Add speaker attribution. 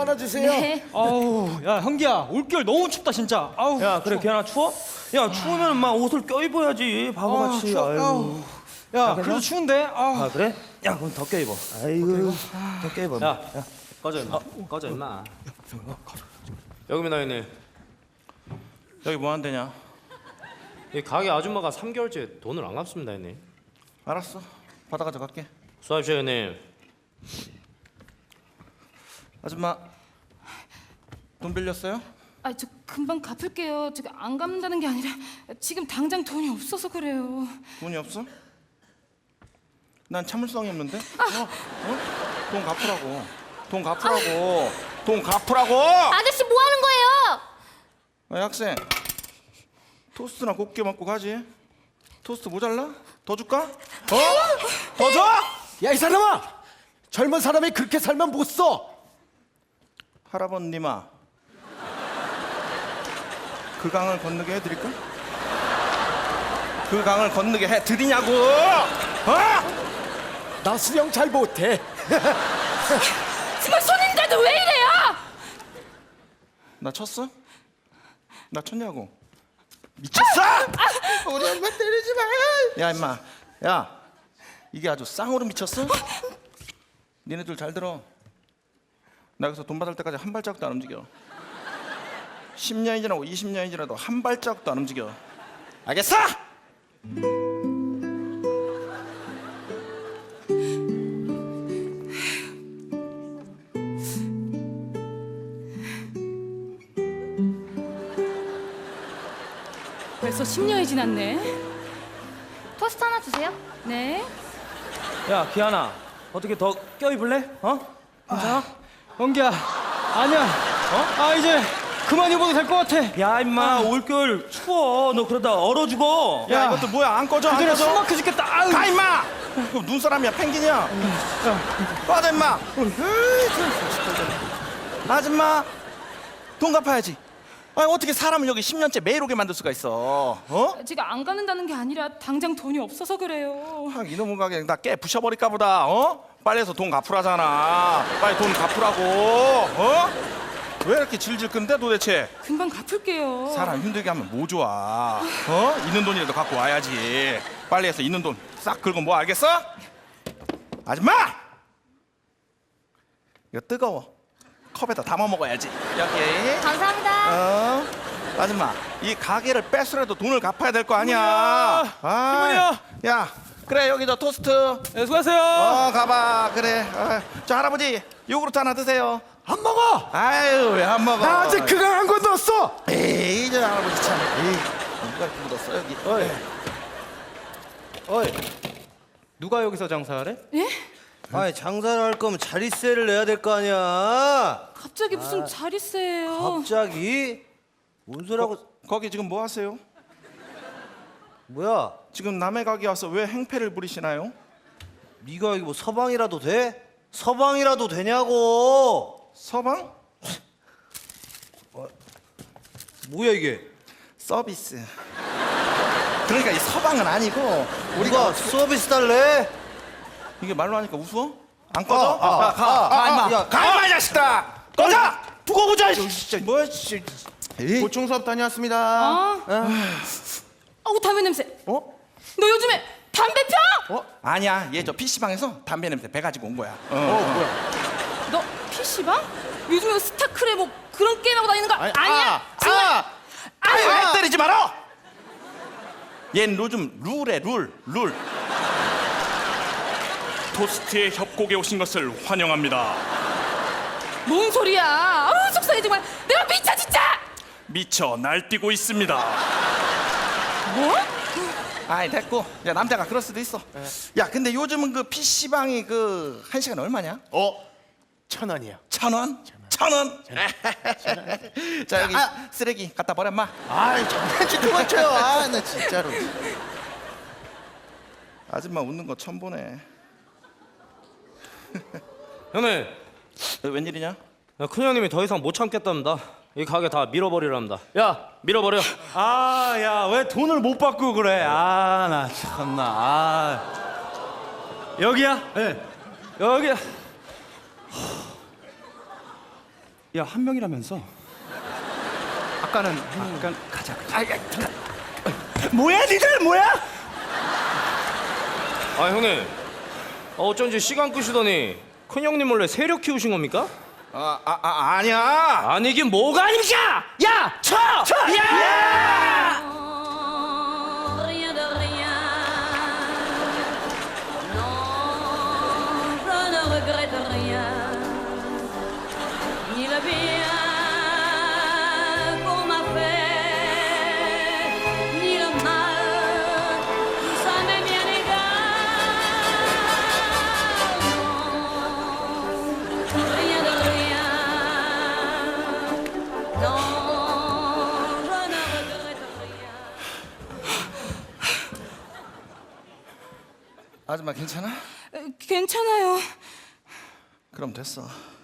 Speaker 1: 하나 주세요.
Speaker 2: 네.
Speaker 3: 아우, 야 형기야, 올겨울 너무 춥다 진짜. 아우.
Speaker 4: 야 그래 걔나 추워? 야 추우면 막 옷을 껴입어야지 바보같이. 아유.
Speaker 3: 야, 그래도 추운데.
Speaker 4: 아 그래? 야 그럼 더 껴입어. 아이고 더 껴입어.
Speaker 5: 야, 꺼져 임마. 꺼져 임마. 여기입니다 형님.
Speaker 4: 여기 뭐 한대냐?
Speaker 5: 이 가게 아줌마가 3개월째 돈을 안 갚습니다 형님.
Speaker 4: 알았어 받아 가져갈게.
Speaker 5: 수고하십시오 형님.
Speaker 4: 아줌마 돈 빌렸어요?
Speaker 2: 아, 저 금방 갚을게요. 제가 안 갚는다는 게 아니라 지금 당장 돈이 없어서 그래요.
Speaker 4: 돈이 없어? 난 참을성이 없는데? 돈 갚으라고. 돈 갚으라고. 돈 갚으라고.
Speaker 2: 아저씨 뭐 하는 거예요?
Speaker 4: 야, 학생 토스트나 곱게 먹고 가지. 토스트 모자라? 더 줄까? 더 줘?
Speaker 1: 야, 이 사람아! 젊은 사람이 그렇게 살면 못 써.
Speaker 4: 할아버님아 그 강을 건너게 해드릴까? 그 강을 건너게 해드리냐고.
Speaker 1: 나 수영 잘 못해.
Speaker 2: 정말 손인데도 왜 이래요?
Speaker 4: 나 쳤어? 나 쳤냐고. 미쳤어? 우리 엄마 때리지 마. 야 임마, 야 이게 아주 쌍으로 미쳤어? 니네들 잘 들어. 나 여기서 돈 받을 때까지 한 발짝도 안 움직여. 10년이 지나고 20년이 지나도 한 발짝도 안 움직여. 알겠어?
Speaker 2: 벌써 10년이 지났네.
Speaker 6: 토스트 하나 주세요.
Speaker 2: 네.
Speaker 4: 야 기아나 어떻게 더 껴입을래? 괜찮아?
Speaker 3: 형기야, 아니야. 아 이제 그만 입어도 될 것 같아.
Speaker 4: 야 임마 올겨울 추워. 너 그러다 얼어 죽어. 야, 이것도 뭐야 안 꺼져? 안
Speaker 3: 그전에
Speaker 4: 꺼져?
Speaker 3: 숨 막혀 죽겠다. 아유.
Speaker 4: 가 임마! 그 눈사람이야 펭귄이야. 빠져 임마. 아줌마 돈 갚아야지. 아니 어떻게 사람을 여기 10년째 매일 오게 만들 수가 있어?
Speaker 2: 제가 안 갚는다는 게 아니라 당장 돈이 없어서 그래요.
Speaker 4: 이놈의 가게 나 깨 부셔버릴까 보다. 빨리 해서 돈 갚으라잖아. 빨리 돈 갚으라고. 왜 이렇게 질질 끈데 도대체?
Speaker 2: 금방 갚을게요.
Speaker 4: 사람 힘들게 하면 뭐 좋아? 있는 돈이라도 갖고 와야지. 빨리 해서 있는 돈 싹 긁어 뭐 알겠어? 아줌마! 이거 뜨거워. 컵에다 담아 먹어야지. 여기.
Speaker 6: 감사합니다.
Speaker 4: 아줌마, 이 가게를 뺏으라도 돈을 갚아야 될 거 아니야.
Speaker 3: 이모야.
Speaker 4: 야, 그래 여기 저 토스트.
Speaker 3: 네, 수고하세요.
Speaker 4: 가봐. 그래. 저 할아버지 요구르트 하나 드세요.
Speaker 1: 안 먹어.
Speaker 4: 아유 왜 안 먹어?
Speaker 1: 나 아직 그강 한 건 넣었어.
Speaker 4: 에이 저 할아버지 참. 에이 누가 이렇게 묻었어 여기.
Speaker 5: 어이. 누가 여기서 장사하래?
Speaker 2: 예?
Speaker 7: 아니 장사를 할 거면 자릿세를 내야 될 거 아니야.
Speaker 2: 갑자기 무슨 자릿세예요?
Speaker 7: 갑자기? 뭔 소리하고.
Speaker 4: 거기 지금 뭐 하세요?
Speaker 7: 뭐야?
Speaker 4: 지금 남의 가게 와서 왜 행패를 부리시나요?
Speaker 7: 네가 여기 뭐 서방이라도 돼? 서방이라도 되냐고.
Speaker 4: 서방?
Speaker 7: 뭐야 이게?
Speaker 4: 서비스. 그러니까 이 서방은 아니고
Speaker 7: 우리가 서비스 달래?
Speaker 4: 이게 말로 하니까 웃어? 안 꺼져?
Speaker 7: 가
Speaker 4: 임마.
Speaker 7: 야,
Speaker 4: 가 임마 이 자식들아. 꺼져. 두고 보자. 진짜
Speaker 7: 뭐야 진짜. 보충 수업 다녀왔습니다.
Speaker 2: 아우 담배 냄새. 너 요즘에 담배 펴?
Speaker 4: 아니야 얘 저 PC방에서 담배 냄새 배 가지고 온 거야.
Speaker 2: 너 PC방? 요즘에 스타크래 뭐 그런 게임하고 다니는 거 아니야? 정말.
Speaker 4: 왜 때리지 마라. 얜 요즘 룰에 룰.
Speaker 8: 토스트의 협곡에 오신 것을 환영합니다.
Speaker 2: 뭔 소리야? 아우 속상해 정말. 내가 미쳐 진짜.
Speaker 8: 미쳐 날뛰고 있습니다.
Speaker 2: 뭐?
Speaker 4: 아이 됐고. 야 남자가 그럴 수도 있어. 야 근데 요즘은 그 PC방이 그 1시간에 얼마냐?
Speaker 7: 1,000원이야.
Speaker 4: 1,000원? 1,000원? 자 여기 쓰레기 갖다 버려 마.
Speaker 7: 아이 장난치 그만 쳐요. 나 진짜로.
Speaker 4: 아줌마 웃는 거 처음 보네.
Speaker 5: 형님,
Speaker 4: 웬일이냐?
Speaker 5: 큰형님이 더 이상 못 참겠답니다. 이 가게 다 밀어버리랍니다. 야, 밀어버려.
Speaker 3: 아, 야, 왜 돈을 못 받고 그래? 아, 나 참나. 아. 여기야? 네. 여기야. 야, 한 명이라면서? 아까는 가자. 잠깐. 뭐야, 니들 뭐야?
Speaker 5: 아 형님, 어쩐지 시간 끄시더니 큰 형님 몰래 세력 키우신 겁니까?
Speaker 4: 아니야.
Speaker 5: 아니긴 뭐가 아닙니까? 야, 쳐! 야!
Speaker 2: Rien de rien. Non, je ne regrette rien. Ni le bien qu'on m'a fait, ni le mal, tout ça m'est bien égal. Non, rien de rien. Non, je ne regrette rien.
Speaker 4: 아줌마 괜찮아?
Speaker 2: 괜찮아요.
Speaker 4: 그럼 됐어.